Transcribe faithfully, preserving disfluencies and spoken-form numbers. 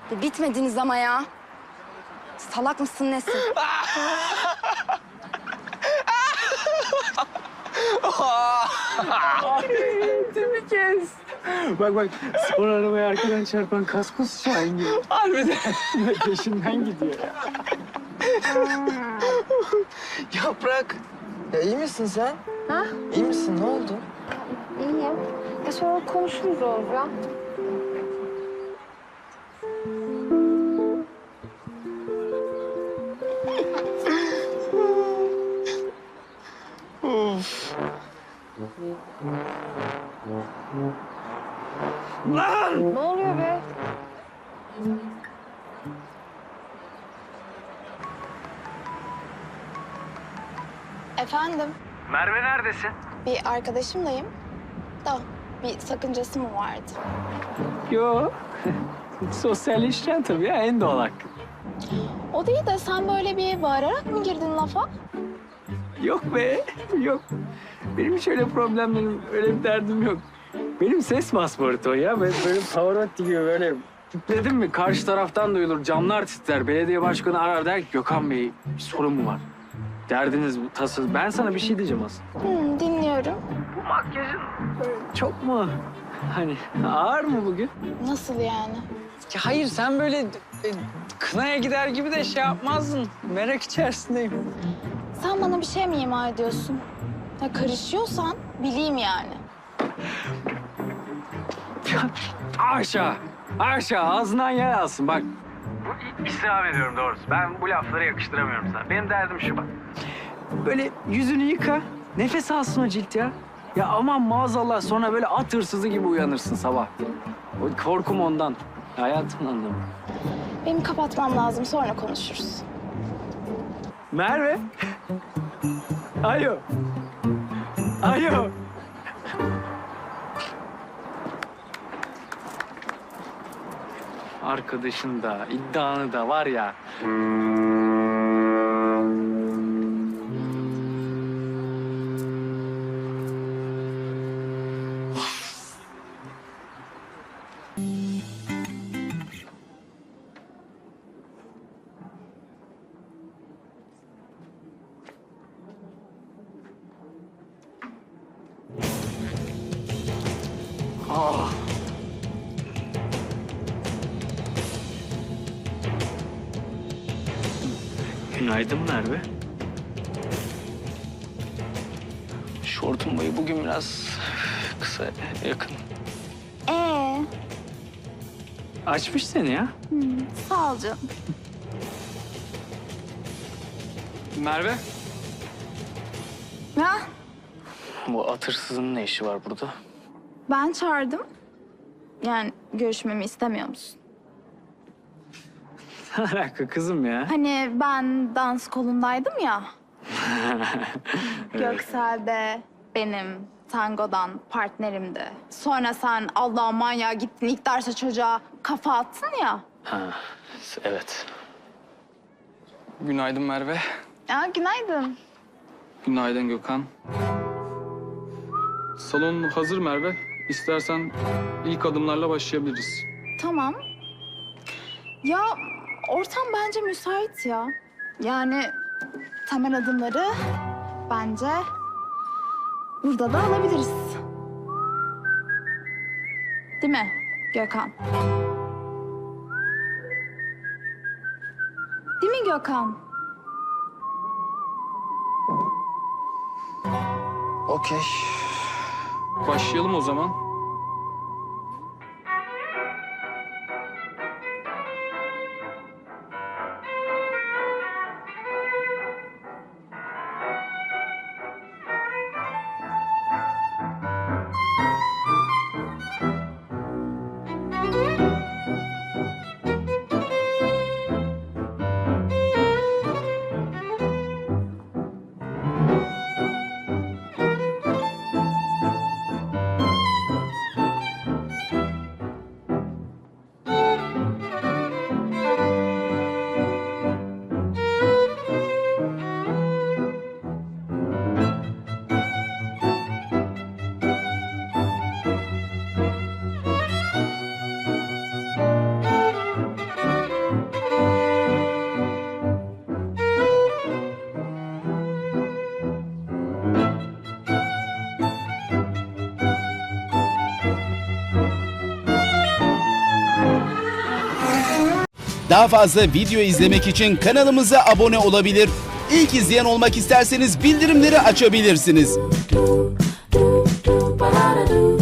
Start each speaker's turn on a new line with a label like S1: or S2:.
S1: Ya bitmediniz ama ya. Salak mısın nesin?
S2: Bir kez. Bak bak, spor arabaya arkadan çarpan kaskos Şahin gibi. Harbiden. Peşinden gidiyor ya.
S3: Yaprak, ya iyi misin sen?
S1: Ha?
S3: İyi misin? Ne oldu?
S1: İyiyim. Ya sonra konuşuruz Oğuz ya.
S3: Of.
S2: Lan!
S1: Ne oluyor be?
S4: Efendim,
S2: Merve neredesin?
S4: bir arkadaşımlayım. Da bir sakıncası mı vardı?
S2: Yo. Sosyalleşeceksin tabii ya, en doğal hakkı.
S4: O değil de sen böyle bir bağırarak mı girdin lafa?
S2: Yok be, yok. Benim hiç öyle problemlerim, öyle bir derdim yok. Benim ses pasportu o ya. Ben böyle Pavarotti gibi böyle dedim mi karşı taraftan duyulur, camlar titrer. Belediye başkanı arar der ki Gökhan Bey bir sorun mu var? Derdiniz bu, tasınız. Ben sana bir şey diyeceğim aslında.
S4: Hmm, dinliyorum.
S2: Bu makyajın çok mu hani ağır mı bugün?
S4: Nasıl yani?
S2: Ya hayır sen böyle e, kınaya gider gibi de şey yapmazdın. Merak içerisindeyim.
S4: Sen bana bir şey mi ima ediyorsun? Ya karışıyorsan bileyim yani.
S2: Aşağı, aşağı ağzından yer alsın bak. Bu istirham ediyorum doğrusu. Ben bu lafları yakıştıramıyorum sana. Benim derdim şu bak. Böyle yüzünü yıka, nefes alsın o cilt ya. Ya aman maazallah sonra böyle at hırsızı gibi uyanırsın sabah. O korkum ondan. Hayatımın anlamı.
S4: Benim kapatmam lazım, sonra konuşuruz.
S2: Merve. Alo. Alo. Arkadaşın da, iddianı da var ya. Ah. Günaydın Merve. Şortun boyu bugün biraz kısa, yakın.
S4: Ee,
S2: Açmış seni ya.
S4: hmm, sağ ol canım.
S2: Merve.
S4: Ha?
S2: Bu at hırsızının ne işi var burada?
S4: Ben çağırdım. Yani görüşmemi istemiyor musun?
S2: Ne alaka kızım ya?
S4: Hani ben dans kolundaydım ya. Göksel de benim tangodan partnerimdi. Sonra sen Allah'ın manyağı gittin ilk derse çocuğa kafa attın ya.
S2: Ha, evet.
S5: Günaydın Merve.
S4: Ya günaydın.
S5: Günaydın Gökhan. Salon hazır Merve. İstersen ilk adımlarla başlayabiliriz.
S4: Tamam. Ya ortam bence müsait ya. Yani temel adımları bence burada da alabiliriz. Değil mi Gökhan? Değil mi Gökhan?
S3: Okey.
S5: Başlayalım o zaman.
S6: Daha fazla video izlemek için kanalımıza abone olabilir. İlk izleyen olmak isterseniz bildirimleri açabilirsiniz.